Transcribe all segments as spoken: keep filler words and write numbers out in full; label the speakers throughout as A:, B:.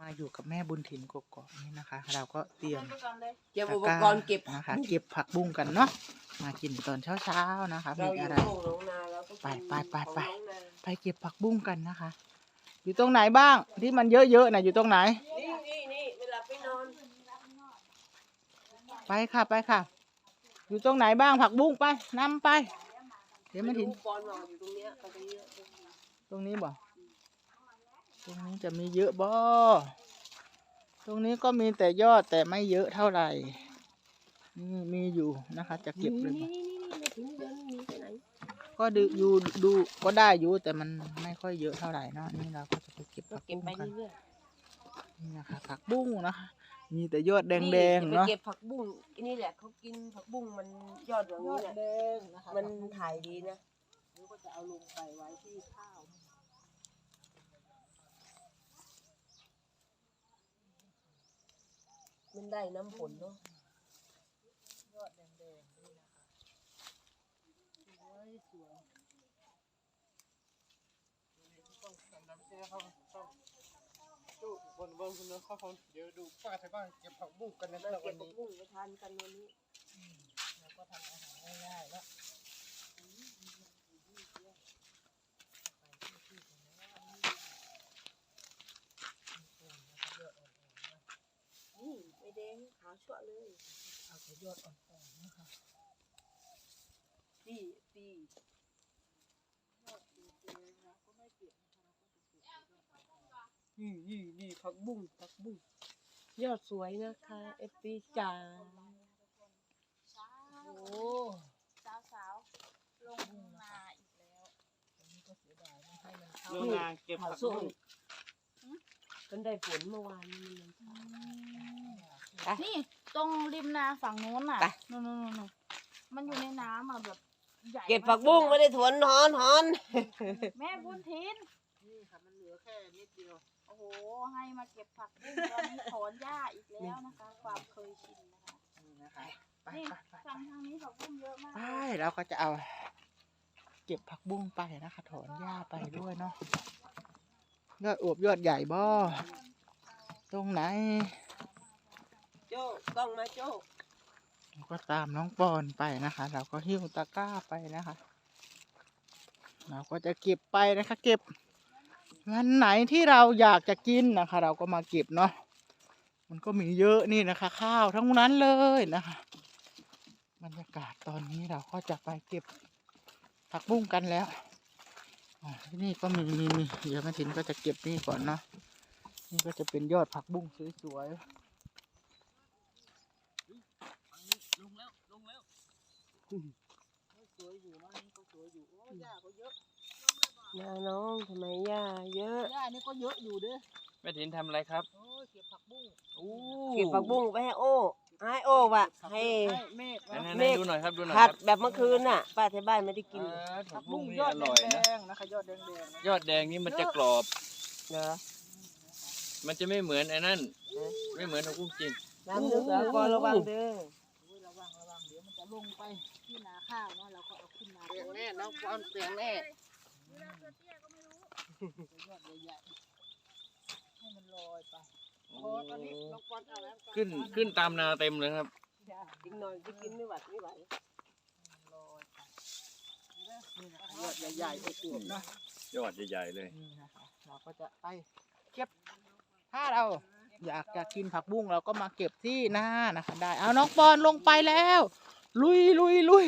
A: มาอยู่กับแม่บุญถิ่นกกอกนี่นะคะเราก็เตรียม
B: เก็บอุปกรณ์เก็บ
A: นะคะเก็บผักบุ้งกันเนาะมากินตอนเช้าๆนะคะมี
B: เราอยู่
A: อะไร
B: โรงน้องนาเราก็
A: ไปไปไปไป
B: ของน้องนา
A: ไปเก็บผักบุ้งกันนะคะ อยู่ตรงไหนบ้างที่มันเยอะๆนะอยู่ตรงไหน
B: นี่นี่นี่เวลาไปนอน
A: ไปค่ะไปค่ะ อยู่ตรงไหนบ้างผักบุ้งไปนำไปเดี๋ยวมาถิ่น
B: บอลวางอยู่ตรงเนี้ยก็จะเยอะ
A: ตรงนี้บ่ตรงนี้จะมีเยอะบ่ตรงนี้ก็มีแต่ยอดแต่ไม่เยอะเท่าไหร่นี่มีอยู่นะคะ จะเก็บเลยบ่
B: นี่นี่นี่ถึงเดือนนี้ไปไหน
A: ก็ดูอยู่ดูก็ได้อยู่แต่มันไม่ค่อยเยอะเท่าไหร่เนาะนี่เราก็จะไปเก็บ
B: ก็
A: ผัก
B: เก็บ
A: บุ้ง
B: ไป
A: กัน
B: เรื่อย
A: นี่นะคะผักบุ้งนะคะ มีแต่ยอดแด
B: ๆ
A: งแดง
B: นี่
A: เนาะ
B: จะไปเก็บผักบุ้งอันนี้แหละเขากินผักบุ้งมันยอดอย่างนี้แหละ
A: งนะคะ
B: มันถ่ายดีนะ
A: เราก็จะเอาลงไปไว้ที่ข้าว
B: มันได้น้ำผลเนาะ
A: ยอดแดงแดงนี่นะคะสวยสวย
C: ต้องทำน้ำเชื่อเขาต้องดูบนบนคุณเนาะเขาเขาเดี๋ยวดูป้าไทยบ้านเก็บผักบุ้งกันนะ
B: เรา
C: แล้ว
B: เก็
C: วั
B: บ
C: น
B: ผัก
C: นี้
B: บุ้งไปทานกันวันนี้
A: เราก็ทำอาหารง่ายๆแล้ว
B: นี่ไม่แดงขาวชั่วเลย
A: เอาแต่ยอดอ่อนๆนะคะ
B: ปีปี นี่นี่นี่ผักบุ้งผักบุ้งยอดสวยนะคะเอฟซีจ๋าโอ้
D: สาวสาวๆลงนาอีกแล้ว
A: อันนี้ก็เสียดายนะให้มันเข้า
C: โรงงานเก็บ
B: ขาว
C: ผัก
B: ส้ม
C: บุ้ง
B: มันได้ฝนเมื่อวานนี้มันช้า
D: นี่ตรงริมนาฝั่งโน้นน่ะ
B: ไป
D: นู่นนู่นนู่นมันอยู่ในน้ำอ่ะแบบใหญ่
B: เก็บผักบุ้งไม่ได้ถวนหอนหอน
D: แม่บุญทิน
A: นี่ค่ะมันเหลือแค่นิดเดียว
D: โอ้โหให้มาเก็บผักบุ้งตอนนี้ถอนหญ้าอีกแล้วนะคะ ความเคยชินนะคะ
A: นี่นะคะไป
D: นี่
A: ไปไป
D: ฝั่งทางนี้ผักบุ้งเยอะมาก
A: ไปเราก็จะเอา เก็บผักบุ้งไปนะคะ ถอนหญ้าไปด้วยเนาะยอดอวบยอดใหญ่บ่ตรงไหน
B: โจ้กล้องมาโจ้
A: เราก็ตามน้องปอนไปนะคะ เราก็หิ้วตะกร้าไปนะคะ เราก็จะเก็บไปนะคะ เก็บวันไหนที่เราอยากจะกินนะคะ เราก็มาเก็บเนาะมันก็มีเยอะนี่นะคะ ข้าวทั้งนั้นเลยนะคะ บรรยากาศตอนนี้เราก็จะไปเก็บผักบุ้งกันแล้วอ๋อที่นี่ก็มีมีมีเดี๋ยวแม่ถินก็จะเก็บนี่ก่อนเนาะนี่ก็จะเป็นยอดผักบุ้งสวยๆ
C: ลงแล้วลงแล้ว
A: สวยอยู่นะนี่ก็สวยอยู่โอ้หญ้าก็เยอะ
B: นาน้องทำไมย่าเยอะ
A: หญ้านี่ก็เยอะอยู่เด้อ
C: แม่ถินทำอะไรครับ
A: โอ้ยเก็บผักบุ้ง
C: โอ้
B: เก็บผักบุ้งไปให้โอ้ให้โอ้ว่ะให้
A: เมฆ
C: ไหน
A: นะ
C: ๆๆดูหน่อยครับดูหน่อย
B: ผั
C: ค
B: ด
C: รับ
B: แบบเมื่อคืนน่ะป้าที่บ้านไม่ได้กิน
C: อ่าผั
A: ผั
C: ก
A: ก
C: บุ้
A: บุ้
C: ง
A: ง
C: นี่
A: ยอ
C: อ
A: ด
C: ร่อย
A: แด
C: นะ
A: งๆนะคะ ยอดแดงๆนะ
C: ยอดแดงนี่มันจะกรอบ
B: เหรอ
C: มันจะไม่เหมือนไอ้นั่นไม่เหมือนผักบุ้งจีน
B: น้ำลึกเหรอก็ระวังเด้อ
A: โอ้ยระวังระวังเดี๋ยวมันจะลงไปที่นาข้าวเนาะเราก็เอาขึ้นมา
B: เสียงแน่น้องปอนเสียงแน่
D: เวลาตัวเตี้ยก็ไม่รู้
A: ยอดใหญ่ๆให้มันลอยไป
C: โอ้
A: โอ้ตอนนี้น้องปอนเอาแล้ว
C: ขึ้นขึ้นตามนาเต็มเลยครับ
A: จ้า
B: อีกหน่อยจะกินไม่ไหวไม่ไหว
A: ลอยไปนี่นะคะยอดใหญ่ๆอวบๆเนาะ
C: ยอดใหญ่ๆเลย
A: นี่นะคะเราก็จะไปเก็บถ้าเราอยากจะกินผักบุ้งเราก็มาเก็บที่หน้านะคะ ได้เอาน้องปอนลงไปแล้ว ลุยลุยลุย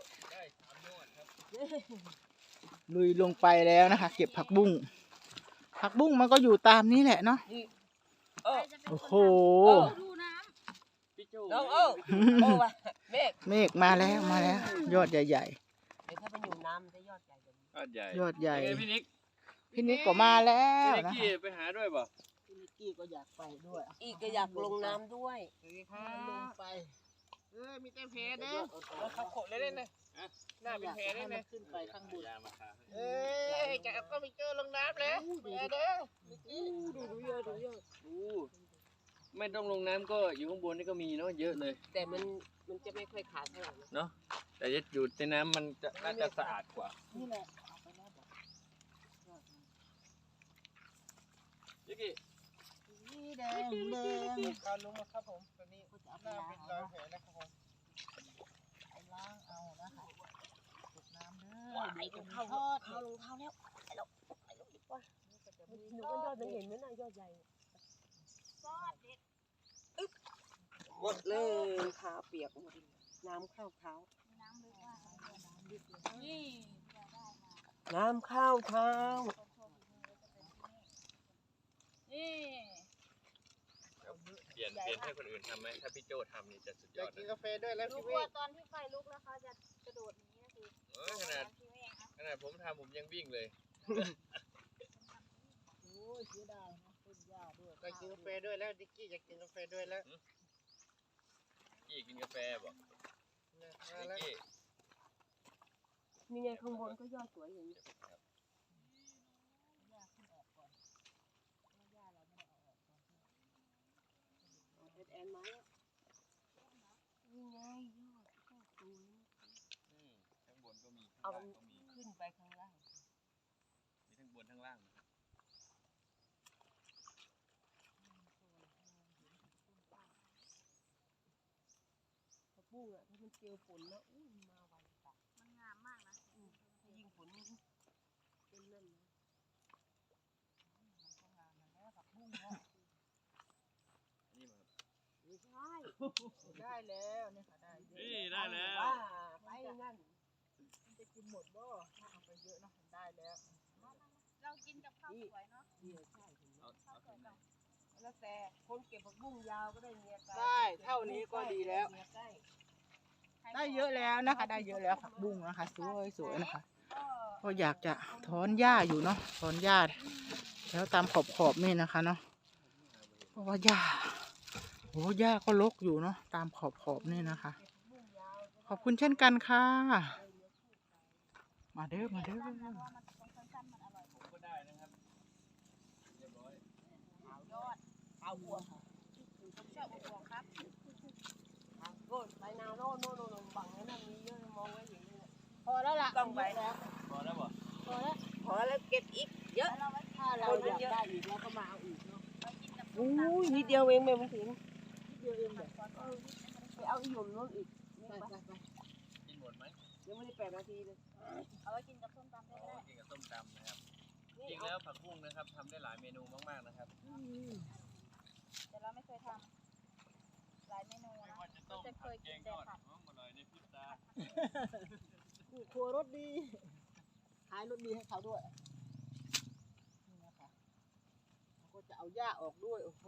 A: ลุยลงไปแล้วนะคะ เก็บผักบุ้งผักบุ้งมันก็อยู่ตามนี้แหละเนาะ
B: โอ้
D: ใครจะเป็น
A: โอ้
D: คน
A: โห
D: ทำดูน้
C: พี่โจ้
B: น้องโอ้โอ้ว่ะเมฆ
A: เมฆมาแล้วมาแล้ว ยอดใหญ่
B: เดี๋ยวถ้าไปอยู่น้ำมันจะยอดใหญ่กว่านี้
C: ยอดใหญ่
A: ยอดใหญ่
C: เป็นไงพี่นิก
A: ๆพี่นิกก็มาแล้ว
C: พี่นิก
A: นะ
C: กี้
A: คะ
C: ไปหาด้วยป่ะ
A: พี่นิกกี้ก็อยากไปด้วย
B: อีกก็อยากลงน้ำด้วย
C: สวัสดีครั
A: ลง
C: บ
A: ไป
C: เออมีแต่แพเด้อเขาโขดเลยได้เลยหน้าเป็นแพได้เลย
A: ขึ้นไปข้างบน
C: เอ้ยจะก็ไม่เจอลงน้ำแล้วแพเด้อ
B: ดูดูเยอะดูเยอะ
C: ดูไม่ต้องลงน้ำก็อยู่ข้างบนนี่ก็มีเนาะเยอะเลย
B: แต่มันมันจะไม่ค่อยขาดเท่าไหร่นะ
C: เนาะแต่จะอยู่ในน้ำมันจะน่าจะสะอาดกว่า
A: นี่แหละเอาไปแล้วบอก
C: พี่กี้
A: นี่งแดง
C: การลงมาครับผมตอนนี้
A: ก็จะเอา
C: ห
A: ไป
C: น้า
A: ล้าง
C: เป็น
A: เอา
C: รอย
A: เนาะ
C: แผลนะครับผม
A: ไปล้างเอานะคะเก็บน้ำเด้อ
B: ว้าย
A: เดี๋ยวจะ
B: รอง
A: มี
B: เท้า
A: ทอด
B: เอารองเท้าแล้วไปแล้วไปแล้วดีกว่า
A: ก็จะมี
B: หนู
A: ท
B: ก็
A: อย
B: อ
A: ด
B: ดมันเห็นไหมน่ะยอดใหญ่
D: ซอสเด็ด
B: หมดเลยขาเปียกหมดเลยน้ำเข้าเท้า
D: มีน้ำลึกมากนี่เราได้มา
B: น้ำเข้าเท้า
D: คนโชว์ฝีมือจะเป็นที่นี่นี่
E: เปลี่ยนเปลี่ยนให้คนอื่นทำไหมถ้าพี่โจทำนี่จะสุด
C: อย ยา
E: อก ด
C: กิน
E: นะ
C: กาแฟด้วยแล้ว
D: รู้
C: พี่
D: กลั
C: เว้
D: วย ตอนที่ไฟลุกแล้วเขาจะกระโดดหนีนะคือ
E: เออขนาด
D: ที่แม่ครับ
E: ขนาดผมทำผมยังวิ่งเลย
A: โอ้ยเสียดายนะต้นหญ้าด้วย
C: อยากกินกาแฟด้วยแล้วดิกกี้อยากกินกาแฟด้วยแล้ว
E: กี้กินกาแฟบอก
C: เนี่ย
E: นิ
C: มาก แล้ว
E: กี้
B: นี่ไงข้างบนก็ยอดสวยอย่างนี้
A: หญ้าขึ้นออกก่อนเพราะหญ้าเราไม่ได้เอาออกตอนที่
B: แอนแอนไม้อะนี่ไงยอดก็สวย
E: อืมข้างบนก็มีข้าง
B: เอา
E: ล่างก็มี
B: ขึ้นไปข้างล่าง
E: มีทั้งบนทั้งล่างนะครับ
B: ผักบุ้งอ่ะถ้ามันเจอฝนนะอุ้ยมาไวจัด
D: มันงามมากนะ
B: อืมถ้ายิ่งฝนเป็นนั่นนะ
A: มันก็งามนะแล้วผักบุ้งเนาะ
E: อันนี้มาครับ
B: ไม่ใช่
A: ได้แล้วเนี่ยค่ะได้เยอะ
E: นี่ได้แล้ว
B: ว่าไปนั่น
A: มันจะกินหมดบ่ถ้าเอาไปเยอะเนาะได้แล้ว
D: เรากินกับข้าวสวยเนาะ
B: เดี๋ยวใช่เห็นไหม
E: เอา
D: ข้า
E: เอา
D: วส
E: ถุ
D: วย
E: งไหน
D: กับ
B: แล้วแต่คนเก็บผักบุ้งยาวก็ได้เมียไกล
A: ได้เท่านี้ก็ดีแล้ว
B: เมียใกล้
A: ได้เยอะแล้วนะคะ ได้เยอะแล้วผักบุ้งนะคะสวยสวยนะคะ
D: ก็
A: ก็อยากจะถอนหญ้าอยู่เนาะถอนหญ้าแล้วตามขอบขอบๆนี่นะคะเนาะเพราะว่าหญ้าโอ้หญ้าก็รกอยู่เนาะตามขอบขอบๆนี่นะคะ ขอบคุณเช่นกันค่ะ มาเด้อมาเด้อ
D: สั้นนะเพราะว่ามันตรงสั้นๆมันอร่อย
E: ผมก็ได้นะครับเรียบร้อย
D: ขาวยอด
B: เอาหัว
D: ผมชอบอบวงครับ
B: โน่นไปนาโน่นโน่นโน่นโน่นบังไว้นั่นมีเยอะมองไว้เห็นเลยเนี่ย
A: พอแล้วล่ะ
B: ต้องไป
A: แล้ว
E: พอแล้วบ่
A: พอแล้ว
B: พอแล้วเก็บอีกเยอะ
D: แล้วเราไว้กิน
A: ถ้าเราอยากได้อีกเราก็มาเอาอีกเนาะ
D: ไว้กินกับส้
B: อุ้
D: มตำ
B: ยนิดเดียวเองแม่มันถึง
A: เดียวเองแบบ
B: ไปเอาอีหยุ่มโน่นอีกนี่
A: ไป
B: ไป
A: ไปไป
E: กินหมดไหม
B: ยังไม่ได้แปดนาทีเลย
D: เอาไว้กินกับส้มตำได้
E: อ๋อ
D: ด้วย
E: กินกับส้มตำนะครับ
B: นี่
E: จริง
B: เอา
E: แล้วผักบุ้งนะครับทำได้หลายเมนูมากๆนะครับ
D: แต่เราไม่เคยทำหลายเมนู
E: ไม่
D: นะ
E: ว่าจะต้ม
D: จะเค
E: ผัด
D: ย
E: แก
D: กิน
E: งท
D: แต่
E: อด
D: ผัด
E: หอมอร่อยในพริบตา
A: ครัวรสดีขายรสดีให้เขาด้วยนี่นะคะเราก็จะเอาหญ้าออกด้วยโอ้โห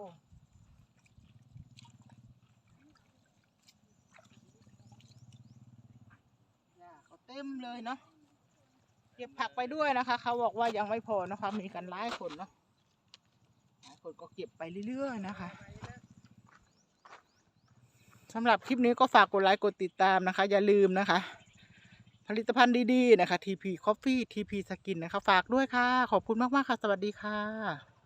A: หญ้าเขาเต็มเลยเนาะเก็บผักไปด้วยนะคะเขาบอกว่ายังไม่พอนะคะมีกันหลายคนเนาะหลายคนก็เก็บไปเรื่อยๆนะคะสำหรับคลิปนี้ก็ฝากกดไลค์กดติดตามนะคะ อย่าลืมนะคะ ผลิตภัณฑ์ดีๆนะคะ ที พี Coffee ที พี Skin นะคะ ฝากด้วยค่ะ ขอบคุณมากๆค่ะ สวัสดีค่ะ